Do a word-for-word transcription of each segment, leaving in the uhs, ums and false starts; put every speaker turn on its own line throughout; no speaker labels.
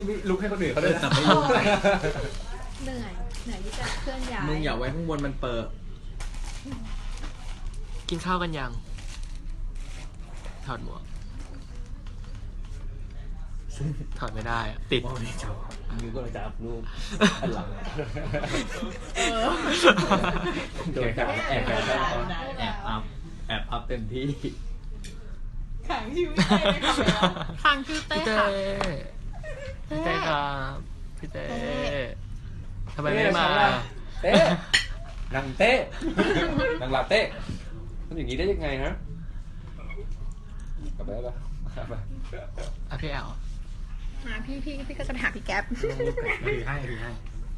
ลุกให้คนอื่นเขาด้วยนะไม่ลุก
เหนื่อยเหนื่อยที่จะเคลื่อนย้าย
มึงอย่าไว้ข้างบนมันเปิดกินข้าวกันยังถอดหมวกถอดไม่ได้อะติด
ไม่ชอบมือก็เลยจับรูปอันหลังโดนจับแอบแอบแอบอัพแอบอัพเต็มที่
ขังชื่อพี่เต้ขังชื่อเต้ค่ะ
พี่เต้ครับพี่เต้ทำไมไม่มา
เต้นังเต้นังลาเต้ทำอย่างนี้ได้ยังไงฮะกลับไปแล้วป่ะ
อ่ะพี่แอล
มาพี่พี่พี่ก็จะไปหาพี่แก๊ป
ถือให้ถือให้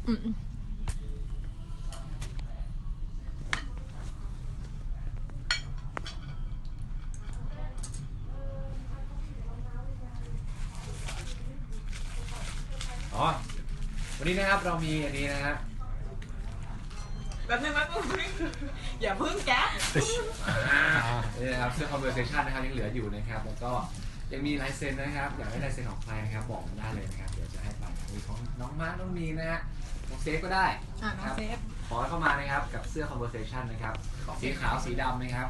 อ๋อวันนี้นะครับเรามีอันนี้นะฮะ
แบบนึงแบบนึงอย่าพึ่งแก๊ป
นี่นะครับเสื้อ conversation นะครับยังเหลืออยู่นะครับแล้วก็ยังมีลายเซ็นนะครับอยากได้ลายเซ็นของใครนะครับบอกได้เลยนะครับเดี๋ยวจะให้ไปมีของน้องมาร์คน้องมีนะฮะของเซฟก็ได้
นะครับ
ขอเข้ามานะครับกับเสื้อ conversation นะครับสีขาวสีดำนะครับ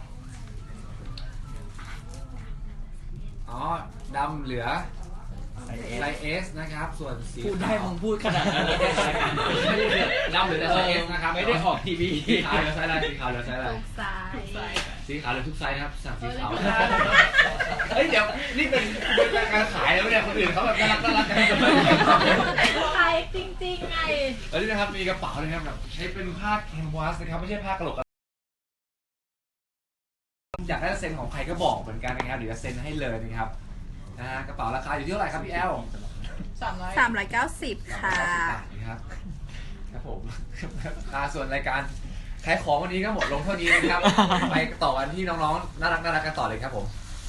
อ๋อดำเหลือไซส์ S นะครับส่วนสี
พูดได้มึงพูดขนาดนั้นเลย
ดำเหลือแต่ไซส์ S นะครับ
ไม่ได้ออกทีวี
สีขาวเหลือไซส์อะไรสีขาวเหลือไซส์อะไรสีขาวเหลือทุกไซส์นะครับสั่งสีขาวเฮ้ยเดี๋ยวนี่เป็นเป็นการขายแล้วเนี่ยคนอื่นเขาแบบน่ารักน่ารักกัน
ขายจริงๆไง
แล้วนี่นะครับมีกระเป๋านะครับแบบใช้เป็นผ้าแคนวาสนะครับไม่ใช่ผ้ากระโหลกอยากได้เซ็นของใครก็บอกเหมือนกันนะครับเดี๋ยวจะเซ็นให้เลยนะครับนะฮะกระเป๋าราคาอยู่ที่เท่าไหร่ครับพี่แอล
สามร้อยสามร้อยเก้าสิบค่ะ
ครับครับผมส่วนรายการขายของวันนี้ก็หมดลงเท่านี้นะครับไปต่อกันที่น้องๆน่ารักน่ารักกันต่อเลยครับผม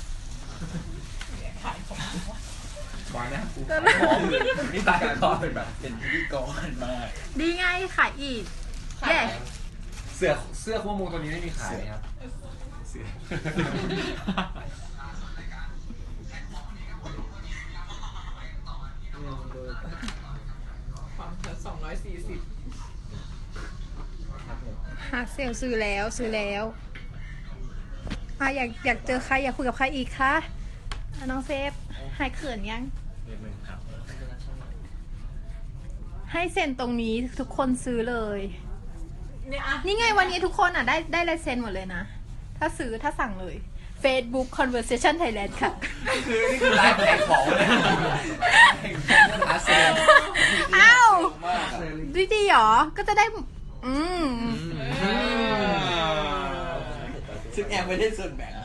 ขายของบอลนะขายของนี่ตายก่อนเป็นแบบเป็นพิธีกรมาก
ดีไงขายอีกแย่
เสื้อเสื้อคู่มูตัวนี้ไม่มีขายครับเสื้อ
ความเธอสองร้อยสี่สิบฮักเซลซื้อแล้วซื้อแล้วอ่ะอยากอยากเจอใครอยากคุยกับใครอีกคะน้องเซฟหายเขินยังให้เซ็นตรงนี้ทุกคนซื้อเลยนี่ไงวันนี้ทุกคนอ่ะได้ได้ลายเซ็นหมดเลยนะถ้าซื้อถ้าสั่งเลย Facebook Conversation Thailand ค่ะ
คือนี่คือไลฟ์ขายของเลยหาเซ็น
อ้าวดีๆหรอก็จะได้อืม
ซึ่งแอมไม่ได้ส่วนแบ่ง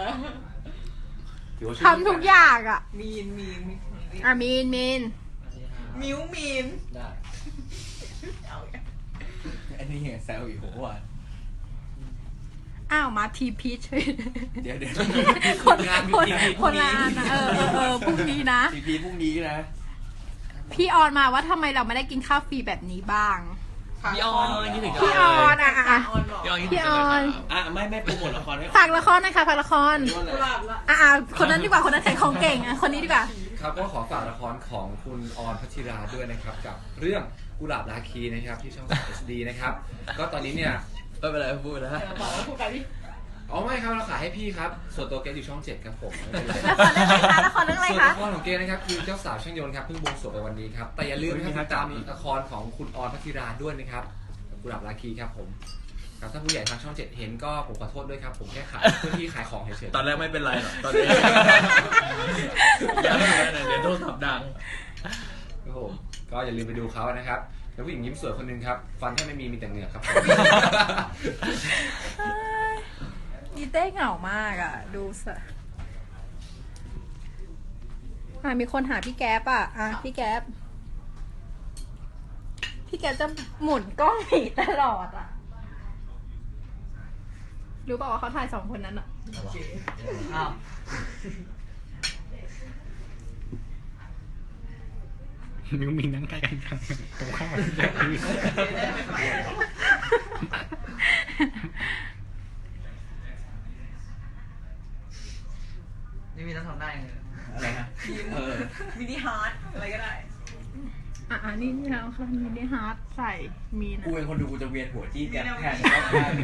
ทำทุกอย่างอ่ะ
มีนมีน
อ่ะมีนมีน
มิวมีน
ได้อันนี้เห็นแซวอยู่หัววัน
อ้าวมาทีพีช
เดี๋ยวเดี๋ยว
คนงานคนคนละอันนะเออเออพรุ่งนี้นะ
ทีพีพรุ่งนี้นะ
พี่ออนมาว่าทำไมเราไม่ได้กินข้าวฟรีแบบนี้บ้าง
พี่ออน
พี่ออนอ่ะ
พี่
ออน
อ่ะไม่ไม่โปรโมทละคร
ฝากละครนะคะฝากละครอ่ะคนนั้นดีกว่าคนนั้นขายของเก่งอ่ะคนนี้ดีกว่า
ครับก็ขอฝากละครของคุณออนพัชิราด้วยนะครับกับเรื่องกุหลาบราคีนะครับที่ช่อง เอส ดี นะครับก็ตอนนี้เนี่ย
ไม่เป็นไรพูดนะ
พูดไปดิ
อ๋อไม่ครับเราขายให้พี่ครับส่วนตัวเกสอยู่ช่องเจ็ดครับผม
ละครเรื่องอะไรคะ
ละครเรื่องอะไรคะส่วนละครของเกสนะครับคือเจ้าสาวช่างยนต์ครับเพิ่งบวงสรวงไปวันนี้ครับแต่อย่าลืมนะครับตามละครของคุณออนพัชิราด้วยนะครับกุหลาบราคีครับผมครับถ้าผู้ใหญ่ทางช่องเจ็ดเห็นก็ผมขอโทษด้วยครับผมแค่ขายเพื่อที่ขายของเฉย
ๆตอนแรกไม่เป็นไรหรอกตอนนี้เดี๋ยวโทรศัพท์ดัง
ครับผมก็อย่าลืมไปดูเขานะครับแล้วผู้หญิงยิ้มสวยคนนึงครับฟันแค่ไม่มีมีแต่เหงือกครับ
อีเต้เหงามากอ่ะดูสะอ่ะมีคนหาพี่แก๊ปอ่ะอ่ะพี่แก๊ปพี่แก๊ปจะหมุนกล้องหนีตลอดอ่ะรู้ป่าวว่าเขาถ่ายสองคนนั้นอ่ะ
อ้าวมิวมินนั่งใกล้กันตรงข้าม
นี่มีต้องทำได้เลย
อะไรนะ
มินิฮาร์ดอะไรก็ได้
อ่ะอันนี้นี่แล้วค่ะมีได้ฮาร์ดใส่มีนะ
กูเป็นคนดูกูจะเวียนหัวจี้แกแทนรอบหน้าเลย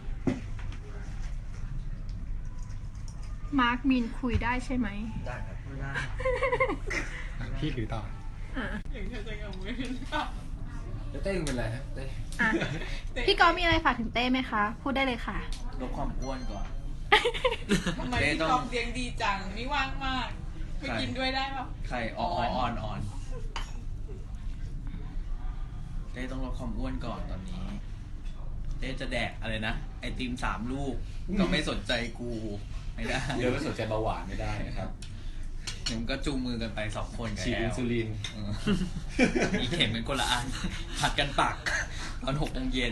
มาร์คมีนคุยได้ใช่ไหม
ได้ครับ
ไม่ได้
พี่ถือต่อ
อ่ะ
อย่างเธอจะกับมือ
แล้วเต้งเป็นไรฮะเต้
อ่ะพี่กอฟมีอะไรฝากถึงเต้ไหมคะ พูดได้เลยค่ะ
ลดความอ้วนก่อน
ทำไมพี่กอฟเลี้ยงดีจังนี่ว่างมากไปกินด้วยได้ปะ
ใครอ่อนอ่อนอ่อนเต้ต้องลดความอ้วนก่อนตอนนี้เต้จะแดกอะไรนะไอติมสามลูกก็ไม่สนใจกูไม่ได้
เดี๋ยวไม่สนใจเบาหวานไม่ได้นะครับ
เดี๋ยวมันก็จูงมือกันไปสองคนกับ
ฉีด
แอ
อิน
ล
ซูลิน
เออมีเข็มเป็นคนละอันผัดกันปักตอนหกโมงเย็น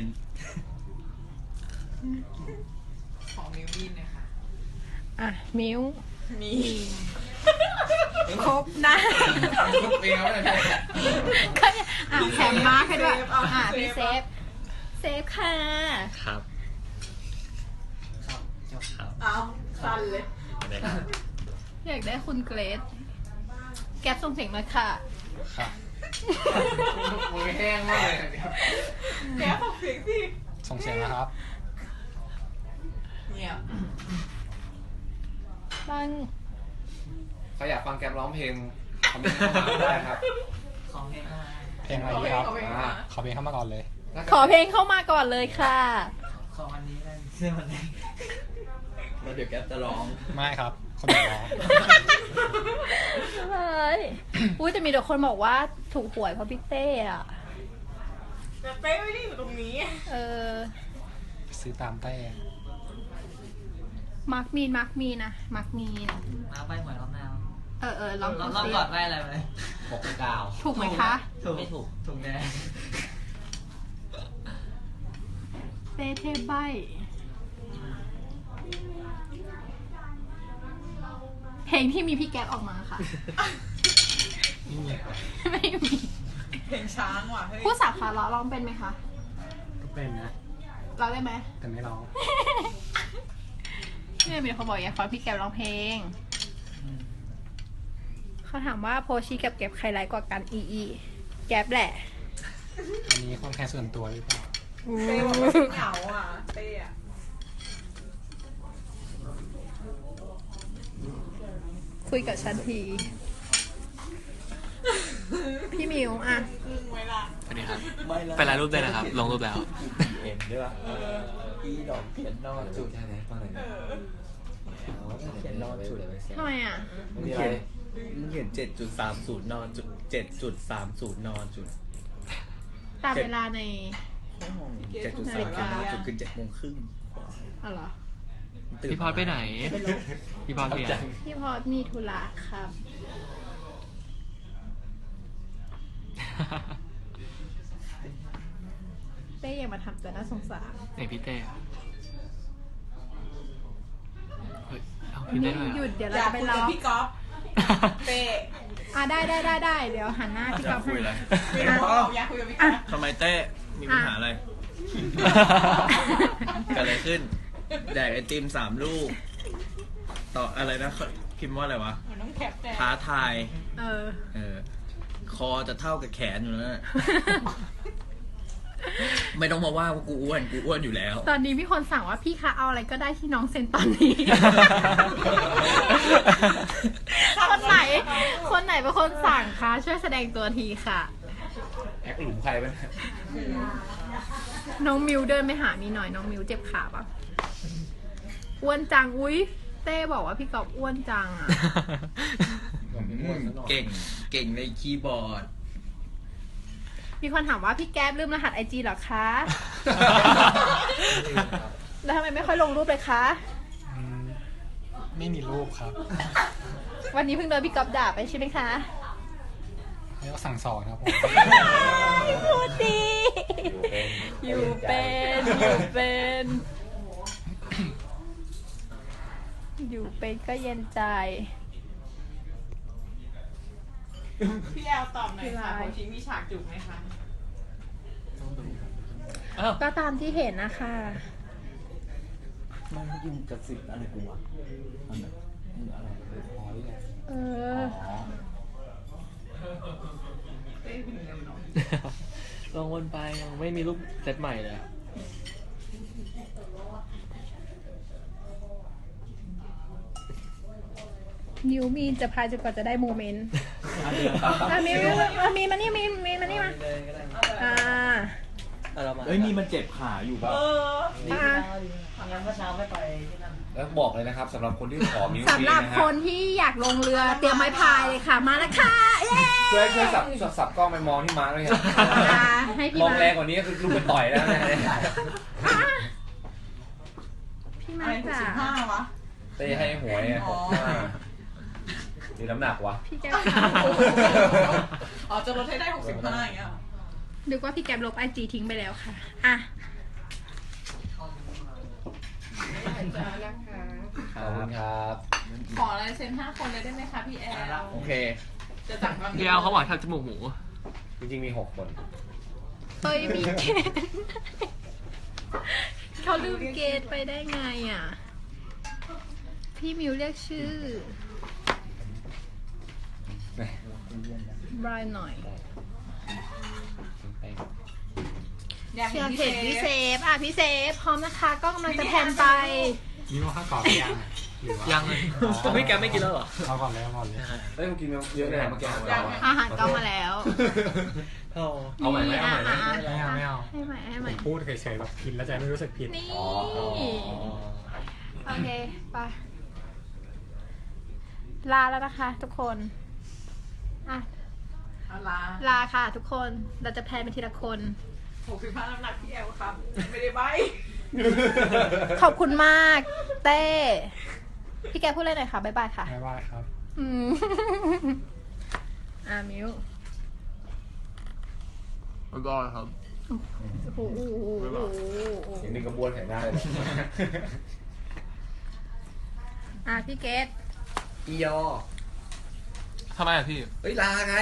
ของมิวมินนะคะ
อ่ะ มิว
มี
ครบนะ
ทุกปีครับเนี่ย
อ่ะแถมมาร์คให้ด้วยอ่ะพี่เซฟ เซฟค่ะ
ครับ ครับ
เอาสั้นเลย
ได้ครับ
อยากได้คุณเกรซแก๊ปส่งเสียงมาค่ะ
ค่ะ
มือแห้งมากเลย
แกฟังเสียงสิ
ส่งเสียงนะครับ
เงียบ
บ้าง
ใครอยากฟังแกมร้องเพลงคอมเมนต์เข้ามาได้ครับ
เพลงอะไรดีครับ
เอาไปเอาไป
อ่า
ขอเพลงเข้ามาก่อนเลย
ขอเพลงเข้ามาก่อนเลยค่ะ
แล้วเดี๋ยวแกจะร้อง
ไม่ครับ คนเดียวร้อง
เฮ้ยอุ้ยแต่มีแต่คนบอกว่าถูกหวยเพราะพี่เต้อะ
แต่เต้ไม่ได้อยู่ตรงนี้
เออ
ซื้อตามเต้
มาร์คมีน มาร์คมีนนะ มาร์คมีน
มาไปเหมือนรอบหน้า
เออเออลอง
รอบ
ดู
รอบ
สิ
ก่อนไปอะไรไป
หกดาว
ถูกไหมคะ
ถูกไม่ถูก ถูกแน่
เต้เทพใบ เพลงที่มีพี่แก๊ปออกมาค่ะ ไม่มี
เพลงช้างว่ะเฮ้ย
ผู้สาขาล้อร้องเป็นไหมคะ
ก็เป็นนะ
ร้องได้ไหม
แต่ไม่ร้อง
เนี่ยมีคนบอกอยากฟังพี่แก๊ปร้องเพลง เขาถามว่าโพชีกับแก๊ปใครไลค์กว่ากันอีอีแก๊ปแหละ
อันนี้ความแค่ส่วนตัวหรือเปล่า
เต้บอกว่าเหงาอ่ะเต้อะ
คุยกับฉันที พี่มิวอ่ะ
ครึ่งไว้ละ
สวัสดีครับ
ไม่ละ
ไปไลน์รูปได้นะครับ ลงรูปแล้ว
เอ็มด้วยป่ะอีดอกเขียนนอกจุด
ใช่ไหมฟังหน่อย
เอ
นะ
อ
เขียนนอกจุด
ทำไมอ่ะ
มึงเขียนมึงเขียนเจ็ดจุดสามศูนย์นอนจุดเจ็ดจุดสามศูนย์นอนจุด
ตามเวลาใน
เจ็ดจุดสามศูนย์นอนจุดคือเจ็ดโมงครึ่ง
อ๋อเหรอ
พี่พอดไปไหน พี่พอดเพียน
พี่พอดมีธุระครับ เต้ยังมาทำตัวน่าสงสาร
ไหนพี่เต้อะเฮ้ยเอาพี่เต้ด้วย
หยุ
อะ
ดเดี๋ยวเรา
อยาก
จะไป
คุย
ร้
กั
อบ ง
พี่ก๊อฟเต้
อ่ะได้ได้ได้ได้เดี๋ยวหันหน้าพี่
อยาก
ก๊อฟ
คุยอะไร
ไม่บอกอยากคุยกับพี่ก๊อฟ
ทำไมเต้ มีปัญหาอะไร เกิดอะไรขึ้น แดกไอติมสามลูก ต่ออะไรนะเขาพิมพ์ว่าอะไรวะ
มันต้องแคปแต่
ท้าทาย
เออ
เออ คอจะเท่ากับแขนอยู่แล้วนะไม่ต้องมาว่าว่ากูอ้วน กูอ้วนอยู่แล้ว
ตอนนี้มีคนสั่งว่าพี่คะเอาอะไรก็ได้ที่น้องเซ็นตอนนี้ คนไหน คนไหนเป็นคนสั่งคะช่วยแสดงตัวทีค่ะ
แอคหลุมใครบ้าง
น้องมิวเดินไปหามีหน่อยน้องมิวเจ็บขาปะอ้วนจังอุ้ยเต้บอกว่าพี่กอบอ้วนจังอ่ะ
เก่ง เก่งในคีย์บอร์ด
มีคนถามว่าพี่แก๊ปลืมรหัสไอจีเหรอคะ แล้วทำไมไม่ค่อยลงรูปเลยคะ
อืมไม่มีรูปครับ
วันนี้เพิ่งโดนพี่กอบด่าไปใช่ไหมคะ
เรียกว่าสั่งสอนครับผม
พูดดีอยู่เป็น อยู่เป็น อยู่เป็นก็เย็นใจ
พี่แอลตอบหน่อยค่ะโพชิมีฉากจุกไหมคะ
อ้าว
ก็ตามที่เห็นนะคะ
มันยินกระสิบอะไรกูวะอันไหนอะไรอ๋อนี่ไง
เออ
อ๋อ
เต้เป็นยังไง
ลองวนไปยังไม่มีรูปเซตใหม่เลยอะ
นิวมีจะพายจนกว่าจะได้โมเมนต์
อ่ะเดี๋ยว
อ่ะมีมีมีมีมานี่มีมีมานี่มา
เลยก็ได้
อ่า
เอาเรามา
เอ้ยมีมันเจ็บขาอยู่ป่ะ
เออ
อ่า
งั้นเมื่อเช้าไม่ไปที่นั่น
แล้วบอกเลยนะครับสำหรับคนที่ขอมิว
สำหรับ
นะ
ค
ฮะ
นที่อยากลงเรือเตรียมไม้พายเลยค่ะ มาแล้วค่ะเย้
ช่วยช่วยสับสับสับกล้องไปมองที่มาร์คด้วยครับ
อ่าให้พี่
มอง
มา
แรงกว่านี้ก็คือลูกไปต่อยแล้วนะ
อ่ะพี่มา
อะไรหก
จ๋า
สิบห้าวะ
เต้ให้หวยไง
อ๋อ
มีน้ำหนักวะ
พี่แก้วค่ะ
อ๋อจะลดให้ได้หกสิบห้าอย่างเงี้ยเหรอ
นึกว่าพี่แก้วลบไอจีทิ้งไปแล้วค่ะอ่ะ
ขอบคุณครับ
ขอลายเซ็นห้าคนเลยได้ไหมคะพี่แอล
โอเค
จะจัดวัน
พี่เอาเขาบอกทำจมูกหมู
จริงๆมีหกคน
เฮ้ยมีเกณฑ์เขาลืมเกณฑ์ไปได้ไงอ่ะ พี่มิวเรียกชื่อ บรายหน่อย
อยาก
เชียร์
พี่
เห็นพี่เซฟอ่ะพี่เซฟพร้อมนะคะก็กำลังจะแพนไป
นี่ว่าข้าวกรอบหรือยังอะหรือว่า
ยังเลยไม่แกไม่กินแล้วเหรอ
เอาก่อนเลยเอาก่อนเลย
เฮ้ยมึงกินเยอะเลยนะเมื่อกี้
อาหารก็มาแล้ว
เอา
เอาใหม่ไหมเอาใหม่ไหม
อ่ะ
ไม่เอาไม่เอา
ให้ใหม่ให้ให
ผ
ม่
มพูดเฉยๆแบบกินแล้วใจไม่รู้สึกผิด
นี่
อ๋ออ๋อ
โอเคไปลาแล้วนะคะทุกคนอ่ะ
เอาลา
ลาค่ะทุกคนเราจะแพนไปทีละคน
หกสิบห้าน้ำหนักพี่แอลครับ ไม่ได้ใบ
ขอบคุณมากเต้พี่แกพูดเลยหน่อยค่ะบ๊ายบายค่ะ
ไม่ว่าครับ
อืม อ่ามิว
ไม่ก็ครับ
โอ้โหโอ้โหโอ้โหโอ้โห
อย่างหนึ่งกระบวนแข่งหน้าเลย
อ่ะพี่เกต
อียอ
ทำไมอ่ะพี่
เฮ้ยลาไง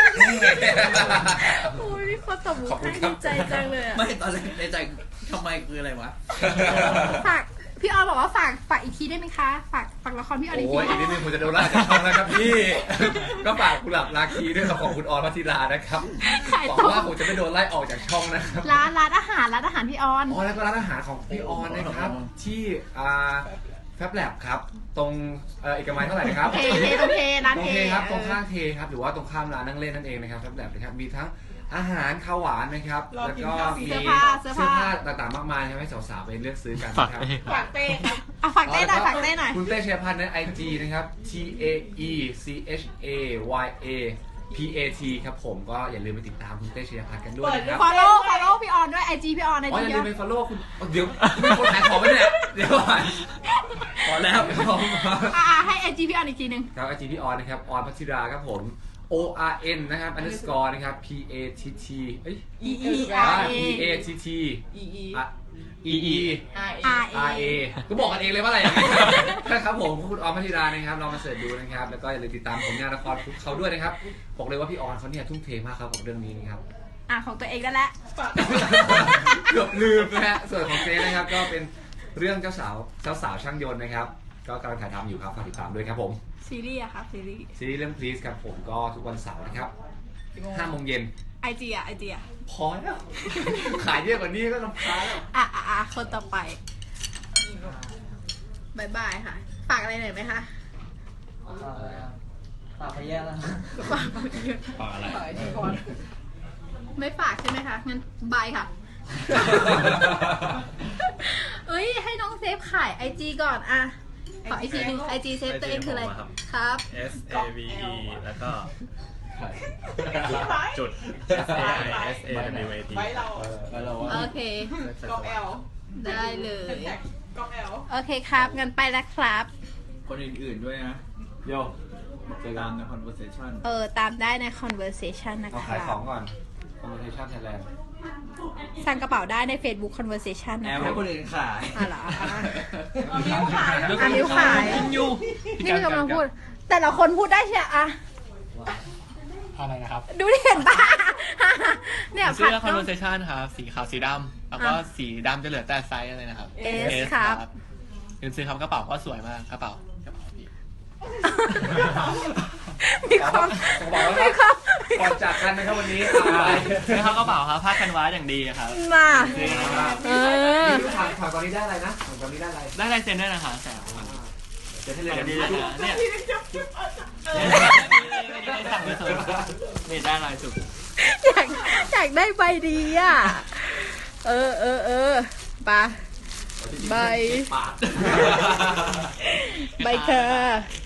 โอ้ยพี่คนตบมือ
ขอบคุณ
ให้
ครั
ดี
บ
ใจจังเลยอะ
ไม่ตอนแรกในใจทำไมคืออะไรวะ
ฝากพี่ออนบอกว่าฝากฝากอีกทีได้ไหมคะ ฝากฝากละครพี่ออนอีกที
โอ้ยอีกนิดนึงผมจะโดนไล่จากช่องแล้วครับพี่ ก็ฝากกุหลาบราคีด้วยครับของคุณออนพัทธิรานะครับ
ขาย
หวัง
ตัว
ว่าผมจะไม่โดนไล่ออกจากช่องนะครับ
ร้านร้านอาหารร้านอาหารพี่ออน
อ๋อแล้วก็ร้านอาหารของพี่ออนนะครับ ที่อ่าแฟบแลบครับ ตรงเอ่อเอกมัยเท่าไหร่นะครับ
เทเทตรงเทร้าน
ตรง
เท
เทครับตรงข้างเทครับหรือว่าตรงข้ามร้านนั่งเล่นนั่นเองนะครับแฟบแลบนะครับมีทั้งอาหารข้าวหวานนะครับแล้วก็มี
เสื้อผ้าเสื้อ
เสื้อ
ผ้า
ผ้าต่างๆมากมายให้สาวๆไปเลือกซื้อกัน
ฝาก
นะครับ
เอง
ฝากเต้ครับ
อ่ะฝากเต้หน่อยฝากเต้หน่อย
คุณเต้เชยพันธ์ในไอจีนะครับ T A E C H A Y A P A T ครับผมก็อย่าลืมไปติดตามคุณเต้เชยพันธ์กันด้วยนะครับ
follow follow พี่ออนด้วยไอจีพี่ออนไอ
อ๋อ
จี
อย่าลืมไป follow คุณเดี๋ยวไม่คนขายของไปเนี่ยเดี๋ยวก่อนพอแล้วพอ
อ่าให้ไอจีพี่ออนอีกทีหนึ่ง
ครับไอจีพี่ออนนะครับออนพัทธิราครับผม O R N นะครับ underscore นะครับ P A T T เอ้ย
E E
อ่า
R
P A T T
E E
อ่ะ E E
R A
R
R A ก็บอกกันเองเลยว่าอะไรอย่างนี้นะครับผมคุณออนพัทธิรานะครับลองมาเสิร์ชดูนะครับแล้วก็อย่าลืมติดตามผลงานละครเขาด้วยนะครับบอกเลยว่าพี่ออนเขาเนี่ยทุ่มเทมากครับกับเรื่องนี้นะครับ
อ่ะของตัวเองได้แล้ว
ฝาก
เกือบลืมนะฮะส่วนของเจ๊นะครับก็เป็นเรื่องเจ้าสาวเจ้าสาวช่างยนต์นะครับก็กำลังถ่ายทำอยู่ครับฝากติดตามด้วยครับผม
ซีรีส์อะครับซีรีส์
ซีรีส์เรื่อง Please ครับผมก็ทุกวันเสาร์นะครับห้าโมงเย็น
ไอจีอะไอจีอะ
พอแล้ว ขายเยอะกว่านี้ก็ลำคาญแล้ว
อ่ะอ่ะอ่ะคนต่อไปบายบายค่ะ ฝากอะไรหน่อยไหมคะ
ฝากไปแย่แล้ว
ฝาก
ฝากอะไร
ฝากไอจีก่อน
ไม่ฝากใช่ไหมคะ งั้นบายค่ะ เอ้ย ให้น้องเซฟขายไอจีก่อนอะขอไอจีหนึ่งไอจีเซฟตัวเองคืออะไร ครับ
S A V E แล้วก็จุด S A I S A W A T
ไว้เรา
แล้วเราว่า
โอเค
กองแอล
ได้เลย
แท็กกองแอล
โอเคครับ งั้นไปแล้วครับ
คนอื่นๆด้วยนะ
โย
เจอกันใน conversation
เออ ตามได้ใน conversation นะ
เอา
ค
ขาย
รั
ขอบ งก่อน Conversation Thailand
สั่งกระเป๋าได้ใน Facebook conversation
แอ
นะ
ม
ค
ให้
รับ
คนอื่นขาย
อ่ะเหรออ่ะ
เอามิ้วขาย
อ่ะนิ้วขาย
อยู่
นี่คือกำลังพูด แต่ละคนพูดได้ใช่ไหมอะ
อะไรนะครับ
ดูดิเห็นปะ เนี่ย
เสื้อ
ผัด
conversation ครับสีขาวสีดำแล้วก็
อ่ะ
สีดำจะเหลือแต่ไซส์อะไรนะครับ
S ครับ
เงินซื้อครับกระเป๋าก็สวยมากกระเป๋ากระเป๋าพี่
มีความ
ขอบอกว่า
มีความ
ก่อนจากกันนะครับวันนี้อะไร
นี่เขากระเป๋าครับผ้ากันวาอย่างดีครับ
มา
จริงครับ
เออ
นี่ถามถามตอนนี้ได้อะไรนะถามตอนนี้ได้อะไร
ได้ลายเซ็นด้วยนะคะแสบ
เดี๋ยวให้เลย
แต่
เดี๋
ดี
ยว
เลย
ดู
นะเนี่ย
เออ
ได้สั่งไปเถอะนี่ได้ลายจุก
อยากอยากได้ใบดีอ่ะ เออเออเออไปะใบ
ปาด
ใบเธอ